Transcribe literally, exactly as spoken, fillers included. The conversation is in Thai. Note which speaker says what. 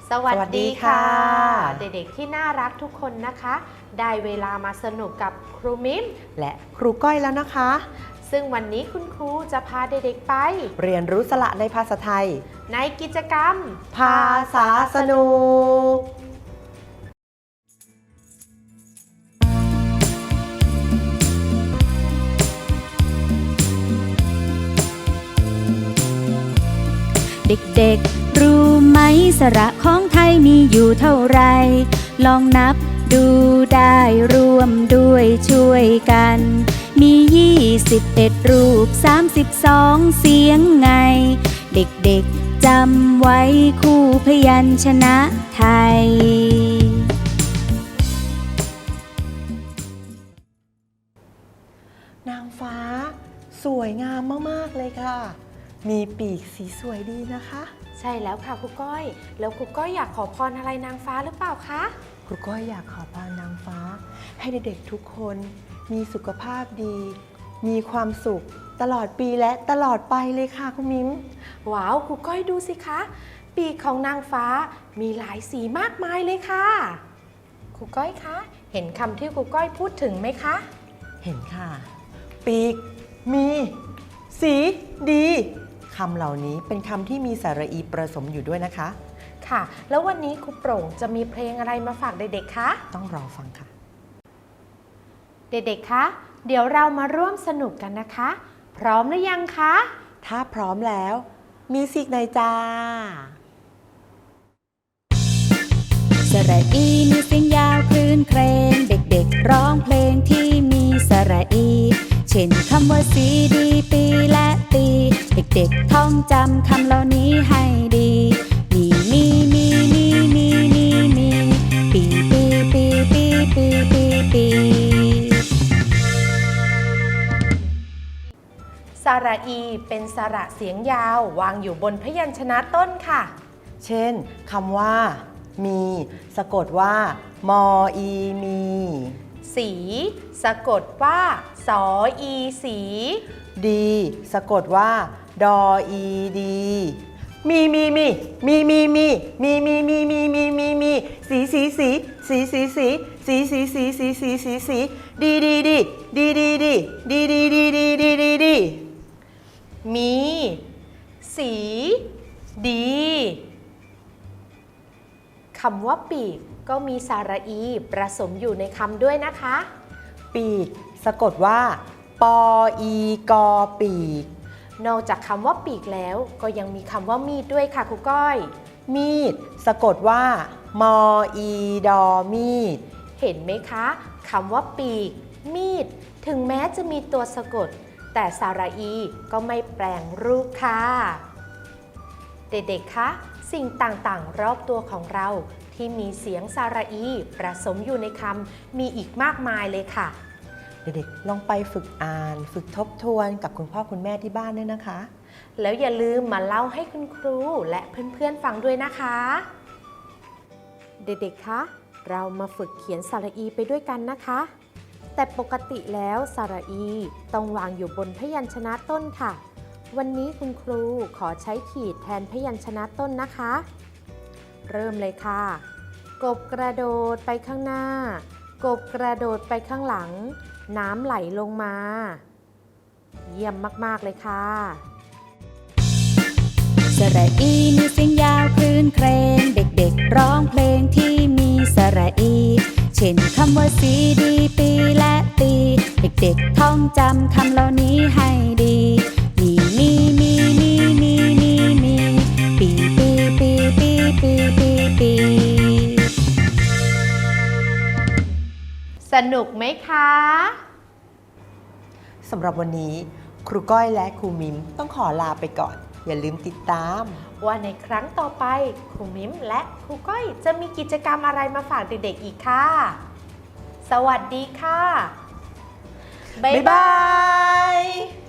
Speaker 1: สวัสดีค่ะเด็กๆที่น่ารักทุกคนนะคะได้เวลามาสนุกกับครูมิม
Speaker 2: และครูก้อยแล้วนะคะ
Speaker 1: ซึ่งวันนี้คุณครูจะพาเด็กๆไป
Speaker 2: เรียนรู้สระในภาษาไทย
Speaker 1: ในกิจกรรม
Speaker 2: ภาษาสนุก
Speaker 3: เด็กๆรู้ไหมสระของไทยมีอยู่เท่าไรลองนับดูได้ร่วมด้วยช่วยกันมียี่สิบเอ็ดรูปสามสิบสองเสียงไงเด็กๆจำไว้คู่พยัญชนะไทย
Speaker 2: นางฟ้าสวยงามมากๆเลยค่ะมีปีกสีสวยดีนะคะ
Speaker 1: ใช่แล้วค่ะครูก้อยแล้วครูก้อยอยากขอพรอะไรนางฟ้าหรือเปล่าคะ
Speaker 2: ครูก้อยอยากขอพรนางฟ้าให้เด็กๆทุกคนมีสุขภาพดีมีความสุขตลอดปีและตลอดไปเลยค่ะคุณมิ้ม
Speaker 1: ว้าวครูก้อยดูสิคะปีกของนางฟ้ามีหลายสีมากมายเลยค่ะครูก้อยคะเห็นคำที่ครูก้อยพูดถึงไหมคะ
Speaker 2: เห็นค่ะปีกมีสีดีคำเหล่านี้เป็นคำที่มีสระอีผสมอยู่ด้วยนะคะ
Speaker 1: ค่ะแล้ววันนี้ครูโปร่งจะมีเพลงอะไรมาฝากเด็กๆคะ
Speaker 2: ต้องรอฟังค่ะ
Speaker 1: เด็กๆคะเดี๋ยวเรามาร่วมสนุกกันนะคะพร้อมหรือยังคะ
Speaker 2: ถ้าพร้อมแล้วมิวสิกในจ้า
Speaker 3: สระอีมีเสียงยาวคลื่นเครงเด็กๆร้องเพลงที่มีสระอีเช่นคำว่าสีดีปีและตีเด็กๆท่องจำคำเหล่านี้ให้ดีมีมีมีมีมีมีมีปีปีปีปีปีปีปี
Speaker 1: สระอีเป็นสระเสียงยาววางอยู่บนพยัญชนะต้นค่ะ
Speaker 2: เช่นคำว่ามีสะกดว่ามออีมี
Speaker 1: สีสะกดว่าสออีสี
Speaker 2: ดีสะกดว่าดออีดีมีมีมีมีมีมีมีมีมีมีมีมีมีสีสีสีสีสีสีสีสีสีสีสีสีสีดีดีดีดีดีดีดีดีดีดีดีดีดี
Speaker 1: มีสีดีคำว่าปีกก็มีสระอีผสมอยู่ในคำด้วยนะคะ
Speaker 2: ปีกสะกดว่าปออีกอปีก
Speaker 1: นอกจากคำว่าปีกแล้วก็ยังมีคำว่ามีดด้วยค่ะครูก้อย
Speaker 2: มีดสะกดว่ามออีดอมีด
Speaker 1: เห็นไหมคะคำว่าปีกมีดถึงแม้จะมีตัวสะกดแต่สระอีก็ไม่แปลงรูปค่ะเด็กๆคะสิ่งต่างๆรอบตัวของเราที่มีเสียงสระอีผสมอยู่ในคำมีอีกมากมายเลยค่ะ
Speaker 2: เด็กๆลองไปฝึกอ่านฝึกทบทวนกับคุณพ่อคุณแม่ที่บ้านด้วยนะคะ
Speaker 1: แล้วอย่าลืมมาเล่าให้คุณครูและเพื่อนๆฟังด้วยนะคะเด็กๆคะเรามาฝึกเขียนสระอีไปด้วยกันนะคะแต่ปกติแล้วสระอีต้องวางอยู่บนพยัญชนะต้นค่ะวันนี้คุณครูขอใช้ขีดแทนพยัญชนะต้นนะคะเริ่มเลยค่ะกบกระโดดไปข้างหน้ากบกระโดดไปข้างหลังน้ำไหลลงมาเยี่ยมมากๆเลยค่ะ
Speaker 3: สระอีมีเสียงยาวคลื่นเครงเด็กๆร้องเพลงที่มีสระอีเช่นคำว่าสีดีปีและตีเด็กๆท่องจำคำเหล่านี้ให้ดีมีมีมีมีมีมีมีปีปีปีปีปีปีปี
Speaker 1: สนุกไหมคะ
Speaker 2: สำหรับวันนี้ครูก้อยและครูมิมต้องขอลาไปก่อนอย่าลืมติดตาม
Speaker 1: ว่าในครั้งต่อไปครูมิมและครูก้อยจะมีกิจกรรมอะไรมาฝากเด็กๆอีกค่ะสวัสดีค่ะบ๊ายบาย